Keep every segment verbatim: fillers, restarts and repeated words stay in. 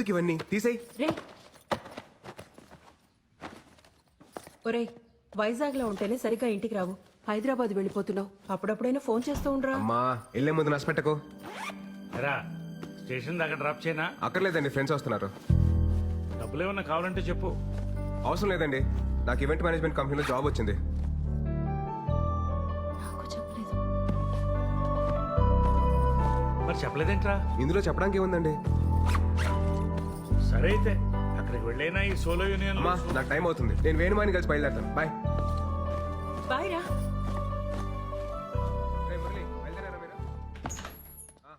ఎందుకు ఇవన్నీ తీసేయ్. రే ఒరే, వైజాగ్ లో ఉంటేనే సరిగ్గా ఇంటికి రావు. హైదరాబాద్ వెళ్ళిపోతున్నావు. అప్పుడప్పుడైనా ఫోన్ చేస్తూ ఉండరా. అమ్మా వెళ్ళే ముందు నష్టపెట్టకు. రా స్టేషన్ దాకా డ్రాప్ చేయనా? అక్కర్లేదండి, ఫ్రెండ్స్ వస్తున్నారు. డబ్బులు ఏమన్నా కావాలంటే చెప్పు. అవసరం లేదండి, నాకు ఈవెంట్ మేనేజ్మెంట్ కంపెనీలో జాబ్ వచ్చింది. నాకు చెప్పలేదు. మరి చెప్పలేదేంట్రా? ఇందులో చెప్పడానికి ఏముందండి. సరే అయితే అక్కడికి వెళ్ళైనా ఈ సోలో యూనియన్. అమ్మా నాకు టైం అవుతుంది, నేను వేణుమాని కలిసి బయలుదేరుతాను. బాయ్. బాయ్ రా. రేయ్ మురళి, బయలుదేరారా మీరు? ఆ.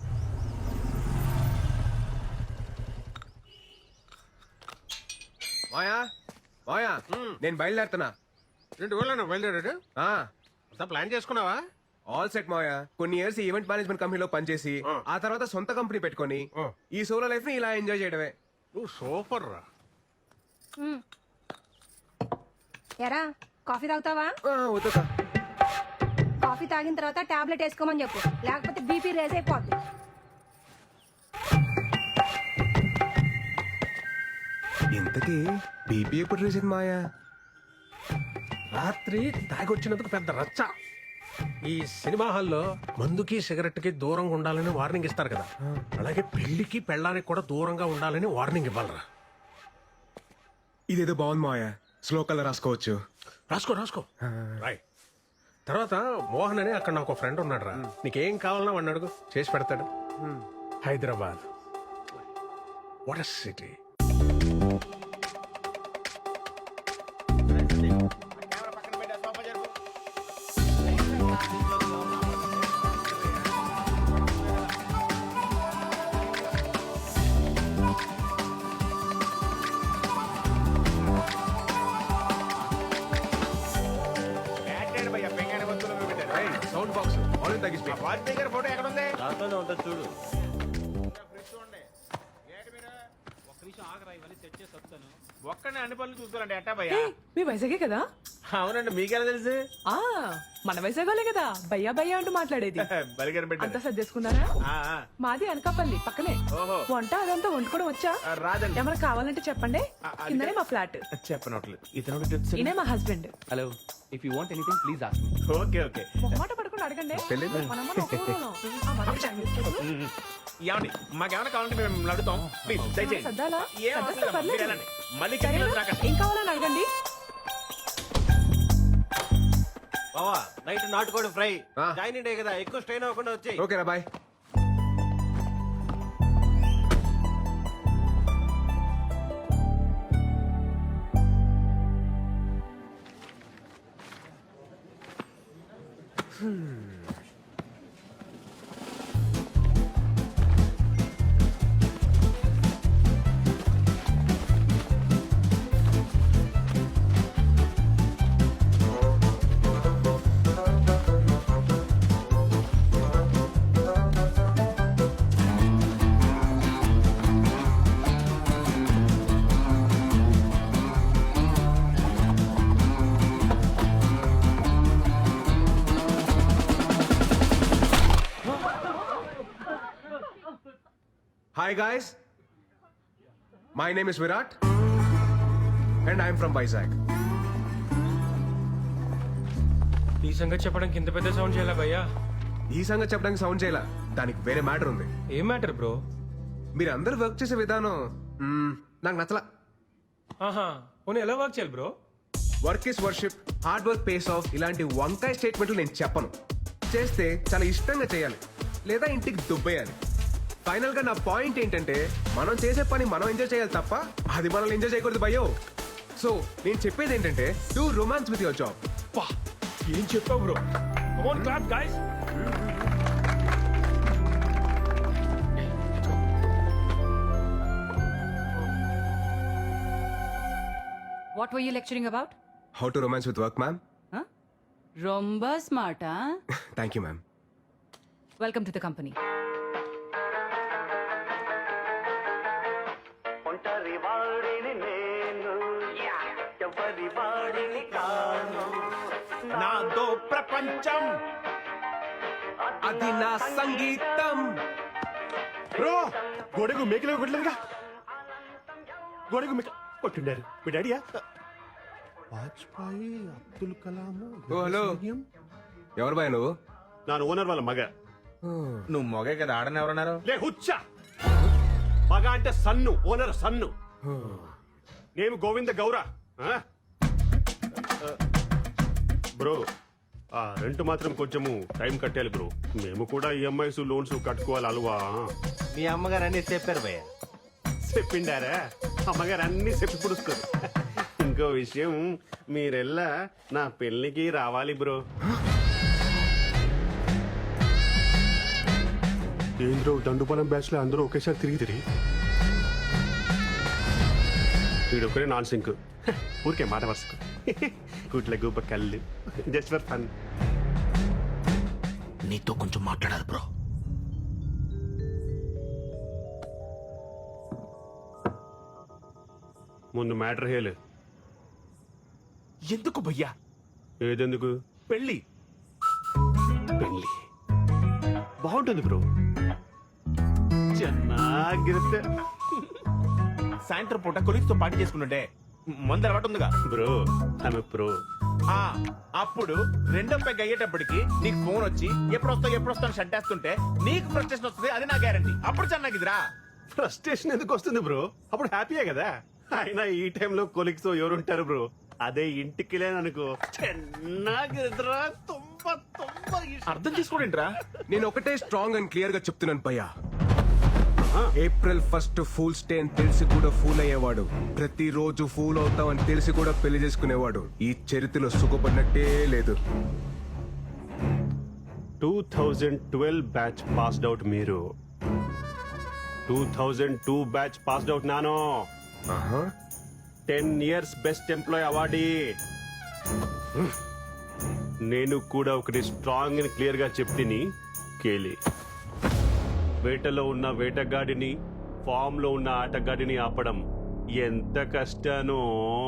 మాయా మాయా నేను బయలుదేరుతున్నా. రెండు ఊళ్ళో బయలుదేరాడు. ఆ, అంతా ప్లాన్ చేసుకున్నావా? ఆల్ సెట్ మాయా. కొన్ని ఇయర్స్ ఈవెంట్ మేనేజ్మెంట్ కంపెనీలో పనిచేసి ఆ తర్వాత సొంత కంపెనీ పెట్టుకొని ఈ సోలో లైఫ్ ని ఇలా ఎంజాయ్ చేయడమే. నువ్వు సూపర్ రా. ఎరా కాఫీ తాగుతావా? ఆ, వద్దుకా. కాఫీ తాగిన తర్వాత టాబ్లెట్ వేసుకోమని చెప్పు, లేకపోతే బీపీ రేజ్ అయిపోద్ది. ఇంతకీ బీపీ ఎప్పుడు రేసింది మాయా? రాత్రి తాగొచ్చినందుకు పెద్ద రచ్చ. ఈ సినిమా హాల్లో మందుకి సిగరెట్ కి దూరంగా ఉండాలని వార్నింగ్ ఇస్తారు కదా, అలాగే పెళ్లికి పెళ్ళానికి కూడా దూరంగా ఉండాలని వార్నింగ్ ఇవ్వాలరా. ఇదేదో బాగుంది మాయా, స్లో కలర్ రాసుకోవచ్చు. రాసుకో రాసుకో రాయ్. తర్వాత మోహన్ అని అక్కడ నాకు ఫ్రెండ్ ఉన్నాడు రా, నీకేం కావాలన్నా వాడిని అడుగు, చేసి పెడతాడు. Hyderabad what a city. Sound box already తగ్గిస్తే ఫోటో ఎక్కడ ఉంది? దాంట్లోనే ఉంటుంది చూడు. ఒక్కనే అన్ని పనులు చూసుకోవాలండి. ఎట్టా భయ్యా? మీ వైజాగే కదా? అవునండి, మీకెలా తెలుసు? ఆ మన వైజాగోలే కదా భయ్యా భయ్యా అంటూ మాట్లాడేది. బలిగారు అంతా పెట్టారు. సర్దేసుకున్నారా? ఆ, ఆ. మాది అనకాపల్లి పక్కనే. ఓహో. వంట అదంతా వండుకోవడం వచ్చా? ఆ, రాదండి. ఏమైనా కావాలంటే చెప్పండి. ఆ, అది కిందనే మా ఫ్లాట్. చెప్పనట్లేదు. ఇతను ఈయనే మా husband. Hello, if you want anything please ask me. Okay okay. మొహమాట పడుకుని అడగండి. తెలీదు. మనమ్మ ఒక ఊరోళ్ళం. ఆ, మనకి టైం ఇస్తుంది. ఏమండి మాకేమైనా కావాలంటే మేము అడుగుతాం. ప్లీజ్ దయచేయండి. సర్దాలా? ఏం అవసరం సర్దేస్తే లేదు. పర్లేదు. మీరు వెళ్ళండి. మళ్ళీ సరేనా? చెప్పింది నాకండి. ఏం కావాలని అడగండి. బావా నైట్ నాటుకోడి ఫ్రై. ఆ. జాయిన్ డే కదా, ఎక్కువ స్ట్రెయిన్ అవ్వకుండా వచ్చాయి. ఓకేనా, bye. Hi guys, my name is Virat and I am from Vizag. ఈ సంగతి చెప్పడానికి ఇంత పెద్ద సౌండ్ చేయాలా భయ్యా? ఈ సంగతి చెప్పడానికి సౌండ్ చేయాల, దానికి వేరే మ్యాటర్ ఉంది. ఏం మ్యాటర్ బ్రో? మీరు అందరూ వర్క్ చేసే విధానం మ్మ్, నాకు నచ్చలా. ఆహా, పోనీ ఎలా వర్క్ చేయాలి bro? Work is worship, hard work pays off, ఇలాంటి వంకాయ స్టేట్మెంట్లు నేను చెప్పను. చేస్తే చాలా ఇష్టంగా చేయాలి, లేదా ఇంటికి దుబ్బేయాలి. ఫైనల్ గా నా పాయింట్ ఏంటంటే, మనం చేసే పని మనం ఎంజాయ్ చేయాలి తప్ప అది మనల్ని ఎంజాయ్ చేయకూడదు భయో. సో నేను చెప్పేది ఏంటంటే, do romance with your job. పా ఏం చెప్పావు bro? Come on clap guys. What were you lecturing about? How to romance with work, ma'am. Huh? Romba smart, huh? Thank you ma'am. Welcome to the company. నాదో ప్రపంచం, అది నా సంగీతం. Bro గొడుగు మేకలు కొట్టలేదుగా. గోడకు మిక కొట్టిండారు మీ డాడీయా వాజ్పేయి అబ్దుల్ కలాం ఓ హలో ఎవరు బాయ్ నువ్వు నాన్న ఓనర్ వాళ్ళ మగ నువ్వు మొగే కదా ఆడని ఎవరన్నారు లే హుచ్చా మగ అంటే సన్ను ఓనర్ సన్ను నేను గోవింద గౌర ఆ? బ్రో ఆ రెంట్ మాత్రం కొంచెము టైం కట్టాలి బ్రో మేము కూడా ఈఎంఐస్ లోన్స్ కట్టుకోవాలి అలవా మీ అమ్మగారు అన్ని చెప్పారు భయ్య చెప్పిండారా అమ్మగారు అన్ని చెప్పి పుడుస్తారు ఇంకో విషయం మీరెల్లా నా పెళ్లికి రావాలి బ్రో ఏంద్రో దండుపాలెం బ్యాచ్ లో అందరూ ఒకేసారి తిరిగి తిరిగి వీడొకరే నాన్ సింక్ ఊరికే మాట వరుసకు గుట్ల గుబ్బ కళ్ళు జస్ట్ ఫర్ ఫన్ నీతో కొంచెం మాట్లాడాలి బ్రో ముందు మ్యాటర్ హేలు ఎందుకు భయ్యా ఏదెందుకు పెళ్ళి పెళ్లి బాగుంటుంది బ్రో ಚೆನ್ನಾಗಿರುತ್ತೆ సాయంత్రం పూట కొలిక్స్ తో పార్టీ చేసుకుంటుంటే మందు అలవాటు ఉందిగా బ్రో ఆమె ప్రో ఆ అప్పుడు రెండో పెగ్ అయ్యేటప్పటికి నీకు ఫోన్ వచ్చి ఎప్పుడు వస్తావు ఎప్పుడు వస్తావు షట్ వేస్తుంటే నీకు ఫ్రస్ట్రేషన్ వస్తుంది అది నా గ్యారంటీ అప్పుడు చెన్నాగిదిరా ఫ్రస్ట్రేషన్ ఎందుకు వస్తుంది బ్రో అప్పుడు హ్యాపీయే కదా అయినా ఈ టైంలో కొలిక్స్ ఎవరుంటారు బ్రో అదే ఇంటికి లేననుకో ಚೆನ್ನಾಗಿದ್ರಾ ತುಂಬಾ ತುಂಬಾ ಇಷ್ಟ. అర్థం చేసుకోడేంట్రా నేను ఒకటే స్ట్రాంగ్ అండ్ క్లియర్ గా చెప్తున్నాను పయ్యా ఏప్రిల్ ఫస్ట్ ఫూల్స్ డే అని తెలిసి కూడా ఫూల్ అయ్యేవాడు ప్రతిరోజు ఫూల్ అవుతామని తెలిసి కూడా పెళ్లి చేసుకునేవాడు ఈ చరిత్రలో సుఖపడినట్టే లేదు two thousand twelve batch passed out మీరు two thousand two batch passed out నాను ఆహా. Ten years best employee awardee నేను కూడా ఒకటి స్ట్రాంగ్ అని క్లియర్ గా చెప్తిని కేలి వేటలో ఉన్న వేటగాడిని ఫామ్ లో ఉన్న ఆటగాడిని ఆపడం ఎంత కష్టానో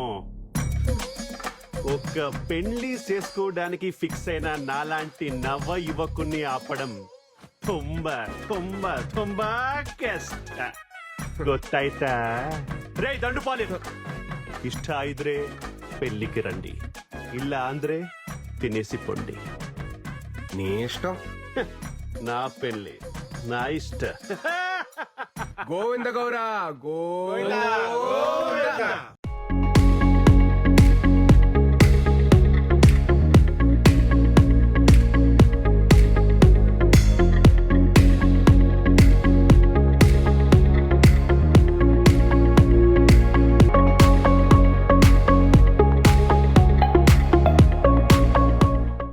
ఒక్క పెళ్లి చేసుకోవడానికి ఫిక్స్ అయిన నాలాంటి నవ యువకుణ్ణి ఆపడం ತುಂಬ ತುಂಬ ತುಂಬಾ ಕಷ್ಟ ಗೊತ್ತಾಯ್ತಾ ರೇ ದಂಡುಪಾಲಿ ಇಷ್ಟ ಇದ್ರೆ పెళ్లికి రండి ಇಲ್ಲ ಅಂದ್ರೆ తినేసి పొండి నీ ఇష్టం నా పెళ్లి నా ఇష్ట గోవింద గౌరా గోవింద